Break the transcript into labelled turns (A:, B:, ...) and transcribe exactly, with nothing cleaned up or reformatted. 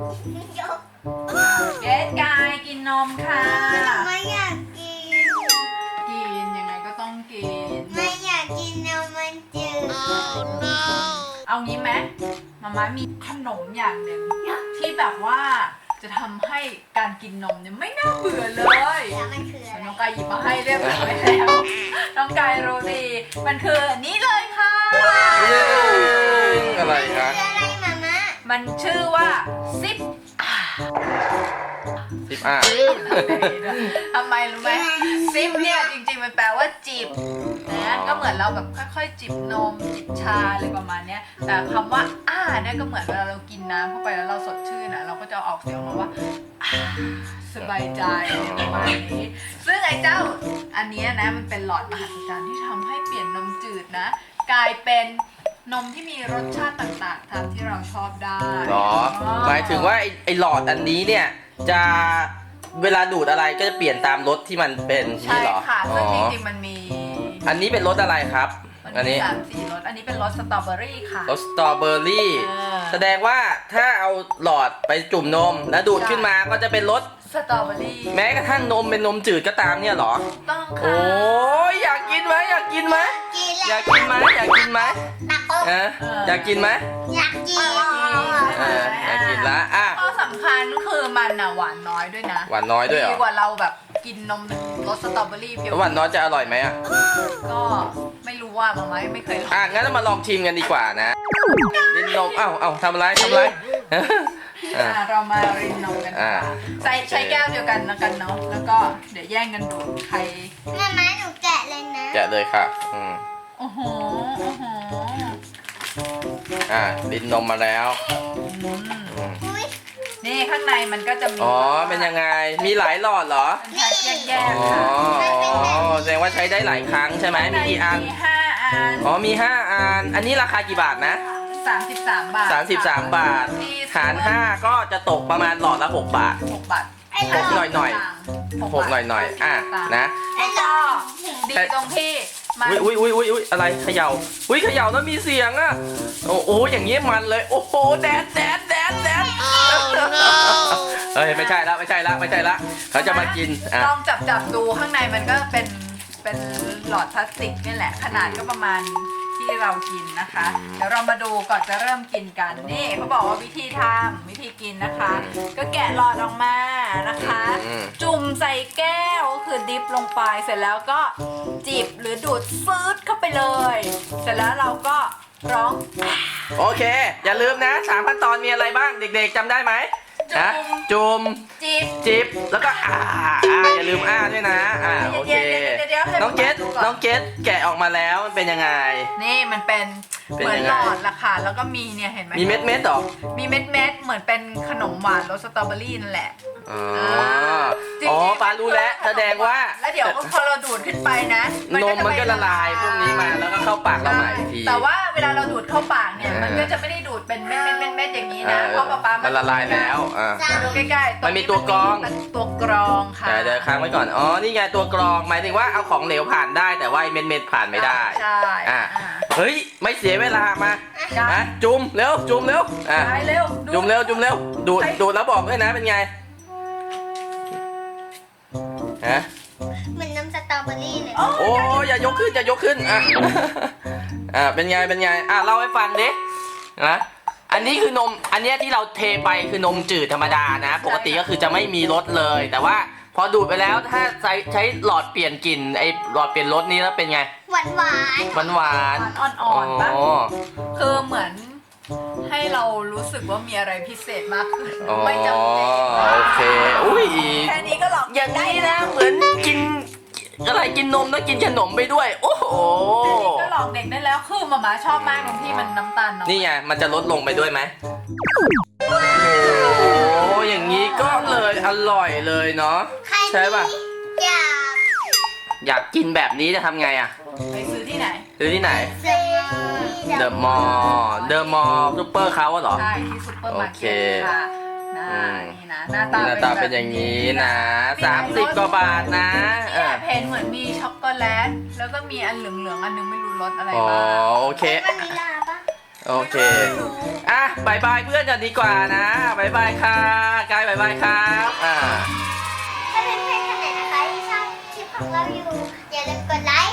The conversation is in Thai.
A: เกดกายกินนมค่ะ
B: ไม่อยากกิน
A: กินยังไงก็ต้องกิน
B: ไม่อยากกินนมมันจืด oh, no.
A: เอางี้ไหมมาม่ามีขนมอย่างหนึ่งที่แบบว่าจะทำให้การกินนมเนี่ยไม่น่าเบื่อเลย
B: แล้วมันคืออะไร
A: น้องกายหยิบมาให้เรียบร้อยแล้วน้องกายรู้ดีมันคือนี่เลยค่ะ
C: อะไรคะ
B: คืออะไรมาม่า
A: มันชื่อว่าซิป
C: ซิปอ่ะ
A: ทำไมรู้ไหมซิปเนี่ยจริงๆมันแปลว่าจิบนะก็เหมือนเราแบบค่อยๆจิบนมจิบชาอะไรประมาณนี้แต่คำว่าอ่าเนี่ยก็เหมือนเวลาเรากินน้ำเข้าไปแล้วเราสดชื่นนะเราก็จะออกเสียงมาว่าสบายใจประมาณนี้ซึ่งไอ้เจ้าอันนี้นะมันเป็นหลอดมหัศจรรย์ที่ทำให้เปลี่ยนนมจืดนะกลายเป็นนมที่มีรสชาติต่างๆตามที่เราชอบได้
C: หรอหมายถึงว่าไอ้ไอ้หลอดอันนี้เนี่ยจะเวลาดูดอะไรก็จะเปลี่ยนตามรสที่มันเป็น
A: ใช่ค่ะซึ่งจริงๆมันมี
C: อันนี้เป็นรสอะไรครับ
A: อันนี้สามสี่รสอันนี้เป็นรสสตรอเบอรี่ค่ะ
C: รสสตรอเบอรี่แสดงว่าถ้าเอาหลอดไปจุ่มนมแล้วดูดขึ้นมาก็จะเป็นรส
A: สตรอเบอรี่
C: แม้กระทั่งนมเป็นนมจืดก็ตามเนี่ยหรอ
A: ต้องค่ะ
C: โอ้ยอยากกินไหมอยากกินไหมอยากกินไหมอยากกินไหมเอออยากกินไหม
B: อยากกิน
C: เอออยากกินละอ่ะ
A: ข้อสำคัญคือมันน่ะหวานน้อยด้วยนะ
C: หวานน้อยด้วยเหรอ
A: ดีกว่าเราแบบกินนมรสสตรอเบอรี่เพียว
C: หวานน้อยจะอร่อยไหมอ่ะ
A: ก็ไม่รู้ว่ามาไหมไม่เคยลอง
C: อ่ะงั้นเรามาลองชิมกันดีกว่านะรินนมเอ้าเอ้าทำอะไรทำอะไร
A: เรามารินนมกันใส่ใช้แก้วเดียวกันนะกันเนาะแล้วก็เดี๋ยวแย่งกันดูใคร
B: มาม่าหนูแกะเลยนะ
C: แกะเลยค่ะอืม
A: โอ้โหโอ้โห
C: อ่ะรินนมมาแล้ว
A: นี่ข้างในมันก็จะมี
C: อ๋อเป็นยังไงมีหลายหลอดเหรอ
A: แยกๆค่ะ
C: อ๋อแสดงว่าใช้ได้หลายครั้งใช่ไหมมีกี่อัน
A: มีห้าอัน
C: อ๋อมีห้าอันอันนี้ราคากี่บาทนะ
A: สามสิบสามบาท
C: สามสิบสามบาทหารห้าก็จะตกประมาณหลอดละหกบาท
A: หกบาท
C: หกหน่อยหน่อยหกหน่อยหน่อยอ่ะนะ
A: แล้วก็ดีตรงที่
C: อุ้ยอุ้ยอุ้ยอุ้ยอะไรเขย่าอุ้ยเขย่าแล้วมีเสียงอ่ะโอ้โหอย่างนี้มันเลยโอ้โหแดดแดดแดดแดดเฮ้ยไม่ใช่ละไม่ใช่ละไม่ใช่ละเขาจะมากิน
A: ลองจับจับดูข้างในมันก็เป็นเป็นหลอดพลาสติกนี่แหละขนาดก็ประมาณที่เรากินนะคะเดี๋ยวเรามาดูก่อนจะเริ่มกินกันนี่เขาบอกว่าวิธีทำวิธีกินนะคะก็แกะหลอดออกมานะคะจุ่มใส่แก้วก็คือดิฟลงไปเสร็จแล้วก็จิบหรือดูดซืดเข้าไปเลยเสร็จแล้วเราก็ร้อง
C: โอเคอย่าลืมนะสามขั้นตอนมีอะไรบ้างเด็กๆจำได้ไหมนะจุ่ม
A: จิบ
C: จิบแล้วก็อ่าอ่าอย่าลืมอ่าด้วยนะอ่าโอเคน้องเกดน้องเกดแกะออกมาแล้วมันเป็นยังไง
A: นี่มันเป็นเหมือนหลอดละค่ะแล้วก็มีเนี่ยเห็นไหม
C: มีเม็ดเม็ดหรอ
A: มีเม็ดเม็ดเหมือนเป็นขนมหวานรสสตรอเบอรี่นั่นแหละ
C: อ๋ออ๋อปารู้แล้วแสดงว่า
A: แล้วเดี๋ยวพอเราดูดขึ้นไปนะ
C: นมมันก็ละลายพวกนี้มาแล้วก็เข้าปากเราใหม่ที
A: แต่ว่าเวลาเราดูดเข้าปากเนี่ยมันก็จะไม่ได้ดูดเป็นเม็ดเม็ดเม็ดเม็ดอย่างนี้นะเพราะป๊าป๊า
C: มันละลายแล้ว
A: ดูใกล้ๆ
C: มันมีตัวกรอง
A: ตัวกรองค่ะ
C: เดี๋ยวค้างไว้ก่อนอ๋อนี่ไงตัวกรองหมายถึงว่าเอาของเหลวผ่านได้แต่ว่าเม็ดเม็ดผ่านไม่ได้
A: ใช่
C: อ่าเฮ้ยไม่เสียเวลามาจุ่มเร็วจุ่มเร็วอ่ะจุ่มเร็วจุ่มเร็วดูดดูดแล้วบอกด้วยนะเป็นไงฮะ
B: เหมือนน้ำสตรอเบอรี่เลย
C: โอ้อย่ายกขึ้นอย่ายกขึ้นอ่ะอ่าเป็นไงเป็นไงอ่ะเล่าให้ฟังดินะอันนี้คือนมอันนี้ที่เราเทไปคือนมจืดธรรมดานะปกติก็คือจะไม่มีรสเลยแต่ว่าพอดูดไปแล้วถ้าใช้ใช้หลอดเปลี่ยนกลิ่นไอหลอดเปลี่ยนรสนี้แล้วเป็นไง
B: หวานหวาน
C: หวานหวาน
A: อ่อนๆป่ะคือเหมือนให้เรารู้สึกว่ามีอะไรพิเศษมากขึ้นไม่จำเป็น
C: โอเคอุ้ย
A: แค่นี้ก็หลอก
C: อย่างนี้นะเหมือนกินอะไรกินนมแล้วกินขนมไปด้วยโอ้โห
A: ก็หลอกเด็กได้แล้วคือหม่าม่าชอบมากตรงที่มันน้ำตาลน้อย
C: นี่ไงมันจะลดลงไปด้วยไหมโอ้อย่างนี้ก็เลยอร่อยเลยเนาะใช่ป่ะ
B: อยาก
C: อยากกินแบบนี้จะทำไงอ่ะ
A: ไปซื้อที่ไหน
C: ซื้อที่ไหนเดอะมอลล์เดอะมอลล์ซุปเปอร์เขาเหรอ
A: ใช่ที่ซุปเปอร์มาร์เก็ตค่ะนี่นะหน้าตา
C: หน้าตาเป็นอย่างนี้นะสามสิบกว่าบาทนะ
A: เออเพนเหมือนมีช็อกโกแลตแล้วก็มีอันเหลืองๆอันนึงไม่รู้รสอะไรบ้าง
C: อ๋อโอเค
B: มันมีลาปะ
C: โอเคอ่ะบายบายเพื่อนกันดีกว่านะบายบายค่ะกายบายบายครับอ่า
B: ถ้าเพื่อนๆคนไหนนะคะที่ชอบคลิปของเราอยู่อย่าลืมกดไลค์